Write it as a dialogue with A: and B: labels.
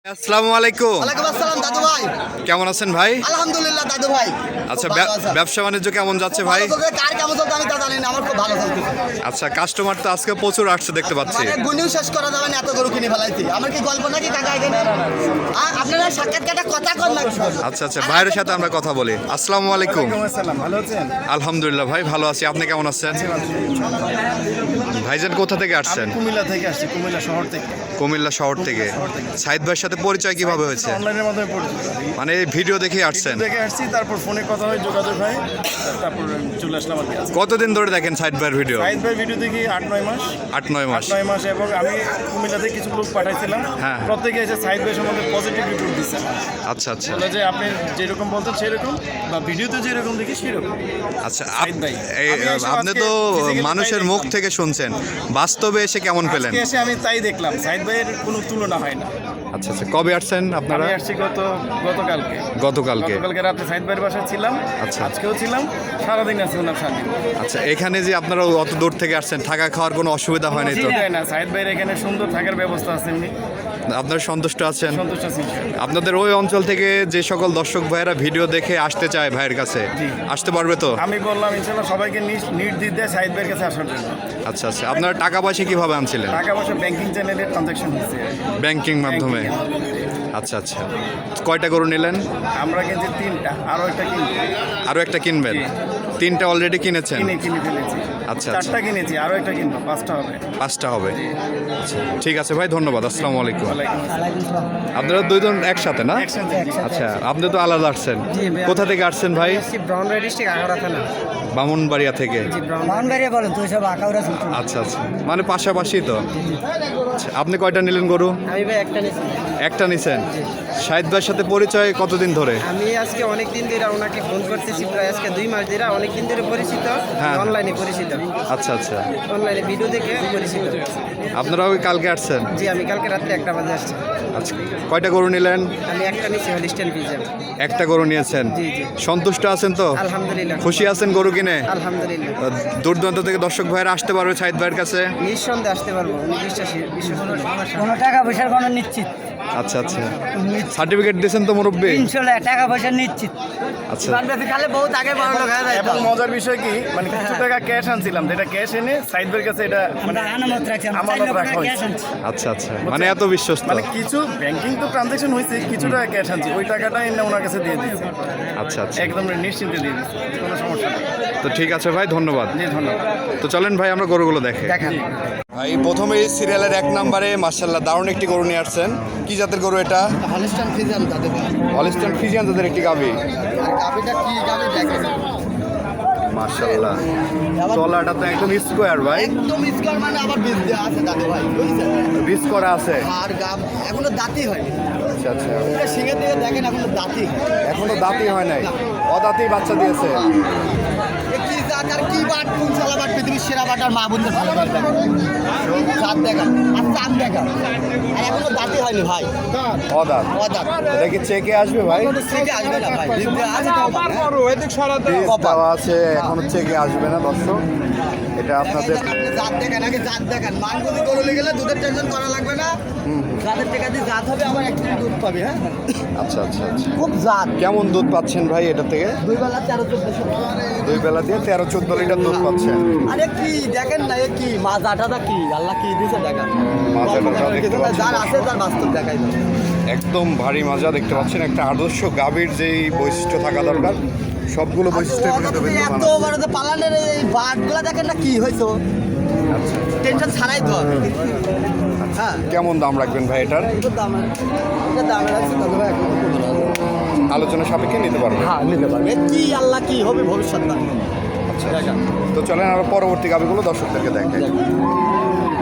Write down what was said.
A: আসসালামু আলাইকুম।
B: ওয়ালাইকুম আসসালাম দাদু ভাই।
A: কেমন আছেন ভাই?
B: আলহামদুলিল্লাহ দাদু ভাই।
A: আচ্ছা, ব্যবসা বাণিজ্য কেমন যাচ্ছে ভাই?
B: কার কেমন চলছে আমি তা জানি না, আমার খুব ভালো চলছে।
A: আচ্ছা, কাস্টমার তো আজকে প্রচুর আসছে দেখতে পাচ্ছি।
B: মানে গুনিও শেষ করা যাবে না, এত গরু কিনে ফেলাইছি। আমার কি গল্প নাকি কাকা এখানে? আপনারা সাক্ষাৎকারটা কথা কর না।
A: আচ্ছা আচ্ছা, ভাইয়ের সাথে আমরা কথা বলি। আসসালামু আলাইকুম।
C: ভালো আছেন?
A: আলহামদুলিল্লাহ ভাই, ভালো আছি। আপনি কেমন আছেন? ভাইজান কোথা থেকে আসছেন?
C: কুমিল্লা থেকে আসছি, কুমিল্লা শহর থেকে।
A: কুমিল্লা শহর থেকে। সাইদ ভাইয়ের সাথে পরিচয় কিভাবে হয়েছে?
C: অনলাইনের মাধ্যমে পরিচিত।
A: মানে ভিডিও দেখে আসছেন?
C: দেখে আসছি, তারপর ফোনে কথা হয়, যোগাযোগ হয়, তারপর চলে আসলাম আর কি।
A: কতদিন ধরে দেখেন সাইদ ভাইয়ের ভিডিও?
C: সাইদ ভাই ভিডিও দেখি 8-9 মাস।
A: 8-9 মাস।
C: 8-9 মাস, এবং আমি কুমিল্লাতে কিছু লোক পাঠাইছিলাম।
A: হ্যাঁ।
C: প্রত্যেকে এসে সাইদ ভাই সম্বন্ধে পজিটিভ রিপোর্ট দিচ্ছে।
A: আচ্ছা আচ্ছা
C: বলে যে আপনি যেরকম বলতেন সেরকম, বা ভিডিওতে যেরকম দেখি সেরকম।
A: আচ্ছা,
C: সাইদ ভাই, আমি এসে
A: আপনি
C: আজকে
A: তো
C: physically
A: মানুষের
C: তাই
A: মুখ
C: দেখলাম।
A: থেকে শুনছেন, বাস্তবে এসে কেমন পেলেন?
C: আজকে এসে আমি তাই দেখলাম, সাইদ ভাইয়ের কোনো তুলনা হয় না।
A: আচ্ছা আচ্ছা, কবে আসছেন আপনারা?
C: আমি আসছি গতকালকে।
A: গতকালকে।
C: গতকালকে রাতে সাইদ ভাইয়ের বাসায় ছিলাম।
A: আচ্ছা।
C: আজকেও ছিলাম, সারাদিন আছি ওনার সাথে।
A: আচ্ছা, এখানে যে আপনারা অত দূর থেকে আসছেন, থাকা খাওয়ার কোনো অসুবিধা হয়নি তো?
C: অসুবিধা হয় না, সাইদ ভাইয়ের এখানে সুন্দর থাকার ব্যবস্থা আছে, উনি
A: আপনারা সন্তুষ্ট আছেন?
C: সন্তুষ্ট আছেন।
A: আপনাদের ওই অঞ্চল থেকে যে সকল দর্শক ভাইয়েরা ভিডিও দেখে আসতে চায় ভাইয়ের কাছে,
C: জি।
A: আসতে পারবে তো?
C: আমি বললাম ইনশাল্লাহ সবাইকে নির্দ্বিধায় সাইদ ভাইয়ের কাছে আসার জন্য।
A: আচ্ছা আচ্ছা, আপনারা টাকা পয়সা কিভাবে আনছিলেন?
C: টাকা পয়সা ব্যাংকিং চ্যানেলের ট্রানজাকশন হচ্ছে।
A: ব্যাংকিং মাধ্যমে? আচ্ছা আচ্ছা, কয়টা গরু নিলেন?
C: আমরা কিনছি 3টা, আরও একটা কিনছি।
A: আরও একটা কিনবেন?
C: জি।
A: 3টা অলরেডি কিনেছেন?
C: কিনে ফেলেছি।
A: আচ্ছা,
C: 4টা কিনেছি, আরও একটা কিনবো, 5টা হবে।
A: 5টা হবে। আচ্ছা, ঠিক আছে ভাই, ধন্যবাদ। আসসালামু আলাইকুম।
C: ওয়ালাইকুম আসসালাম।
A: আপনারা দুইজন একসাথে না?
C: একসাথে।
A: আচ্ছা, আপনি তো আলাদা আসছেন। কোথা থেকে আসছেন ভাই?
D: ব্রাউনবাড়ি ডিস্ট্রিক্ট আগাড়া থানা।
A: বামুনবাড়িয়া থেকে?
D: ব্রাউনবাড়ি বলেন তো, সব আকাউরা চলতো।
A: আচ্ছা আচ্ছা, মানে পাশাপাশি তো। আচ্ছা, আপনি কয়টা নিলেন গরু?
D: আমি ভাই একটা নিয়েছি।
A: একটা নিছেন। শাহিদ ভাইয়ের সাথে পরিচয় কতদিন ধরে?
D: আমি আজকে অনেক দিন ধরে ওনাকে ফোন করতেছি, প্রায় আজকে 2 মাস ধরে। অনেক দিন ধরে পরিচিত,
A: হ্যাঁ।
D: অনলাইনে পরিচিত,
A: আচ্ছা আচ্ছা,
D: অনলাইনে ভিডিও দেখে পরিচিত।
A: আপনারা ওই কালকে আসছেন?
D: জি, আমি কালকে রাত্রে 1টা বাজে আসছি।
A: আচ্ছা, কয়টা গরু নিলেন?
D: আমি একটা নিয়েছি, হলিস্টেন পিজা।
A: একটা গরু নিয়েছেন।
D: জি জি,
A: সন্তুষ্ট আছেন তো?
D: আলহামদুলিল্লাহ।
A: খুশি আছেন গরু কিনে?
D: আলহামদুলিল্লাহ।
A: দূর দূরান্ত থেকে দর্শক ভাইয়েরা আসতে পারবে শাহিদ ভাইয়ের কাছে?
D: নিঃসন্দেহে আসতে পারবো, উনি বিশ্বাস কোনো টাকা পয়সার কোনো নিশ্চিত।
A: আচ্ছা আচ্ছা, সার্টিফিকেট দিয়েছেন তো মুরব্বী?
D: ইনশাল্লাহ টাকা পয়সা নিশ্চিত।
A: আচ্ছা
D: খালে বহুত আগে বড় লোক হয়ে যায়।
C: এবং মজার বিষয় কি, মানে কিছু টাকা ক্যাশ আনছিলাম, যেটা ক্যাশ এনে সাইদ ভাইয়ের কাছে এটা মানে
D: আনামত রাখছি,
C: আমানত রাখা হয়েছে।
A: আচ্ছা আচ্ছা, মানে এত বিশ্বস্ত।
C: মানে কিছু ব্যাংকিং তো ট্রানজাকশন হয়েছে, কিছু টাকা ক্যাশ আনছি, ওই টাকাটা এনে ওনার কাছে দিয়ে দিয়েছি।
A: আচ্ছা আচ্ছা,
C: একদম নিশ্চিন্তে দিয়ে দিয়েছি, কোনো সমস্যা নেই।
A: তো ঠিক আছে ভাই, ধন্যবাদ।
C: জি, ধন্যবাদ।
A: তো চলেন ভাই, আমরা গরুগুলো দেখে।
D: দেখান।
A: ভাই প্রথমেই সিরিয়ালের 1 নম্বরে মাশাআল্লাহ দারুণ একটি গরু নিয়ে আসছেন। কি জাতের গরু এটা?
B: হলিস্টান ফিজিয়ান দাদু ভাই।
A: হলিস্টাইন ফ্রিজিয়ান জাতের একটি গাভী।
B: আর গাবিটা কি গাবি দেখেন,
A: মাশাআল্লাহ, তলাটা তো একদম স্কোয়ার ভাই।
B: একদম স্কোয়ার, মানে আবার বীজ দেওয়া আছে দাদু ভাই, বুঝছেন?
A: বীজ করা আছে?
B: আর গাব এখনো দাঁতই হয়নি।
A: আচ্ছা আচ্ছা,
B: পুরো শিঙে দিয়ে দেখেন, এখনো দাঁতই হয়।
A: এখনো দাঁতই হয় নাই, অদাঁতেই বাচ্চা দিয়েছে।
B: এ কি জাত আর কি বাট, কোন শালা বাট, পৃথিবীর সেরা বাট আর মা বোনদের ভালো করে দেখেন। জাত দেখান আর চাঁদ দেখান, আর এখনো দাঁতই হয়নি ভাই।
A: অদাঁত?
B: অদাঁত
A: এটা কি চেকে আসবে ভাই?
B: থেকে আসবে না ভাই, বীজ দেওয়া আছে তো আবার, হ্যাঁ?
A: বীজ দেওয়া আছে, এখনো চেকে আসবে না দর্শক। এটা আপনাদের
B: জাত দেখান, আগে জাত দেখান। মানগুলি গরুলে গেলে দুধের টেনশন করা লাগবে না। জাতের টাকা দিয়ে জাত হবে, আবার একটু দুধ পাবে। হ্যাঁ,
A: আচ্ছা আচ্ছা আচ্ছা,
B: খুব জাত।
A: কেমন দুধ পাচ্ছেন ভাই এটা থেকে?
B: 2 বেলা 13-14।
A: 2 বেলা দিয়ে 13-14 লিটার দুধ পাচ্ছেন।
B: আরে কি দেখেন না, এ কি মাজাটা কি আল্লাহ কি দিয়েছে দেখেন।
A: মাজাটা দেখতে পাচ্ছেন।
B: যার আছে তার বাস্তব দেখাই যাবে।
A: একদম ভারী মাজা দেখতে পাচ্ছেন। একটা আদর্শ গাভীর যেই বৈশিষ্ট্য থাকা দরকার, সবগুলো বৈশিষ্ট্য
B: এত বড় যে পালানের এই বাটগুলা দেখেন না কি হয়েছে,
A: আচ্ছা,
B: টেনশন ছাড়াই তো। হ্যাঁ,
A: কেমন দাম রাখবেন ভাই এটার?
B: এটা দামে রাখছে দাদু ভাই, এখন খুব ভালো আছে।
A: আলোচনা সাপেক্ষে নিতে পারবেন?
B: হ্যাঁ, নিতে পারবে। এ কি আল্লাহ কি হবে ভবিষ্যৎ না।
A: আচ্ছা, তো চলেন আরো পরবর্তী গাভীগুলো দর্শকদেরকে দেখেন।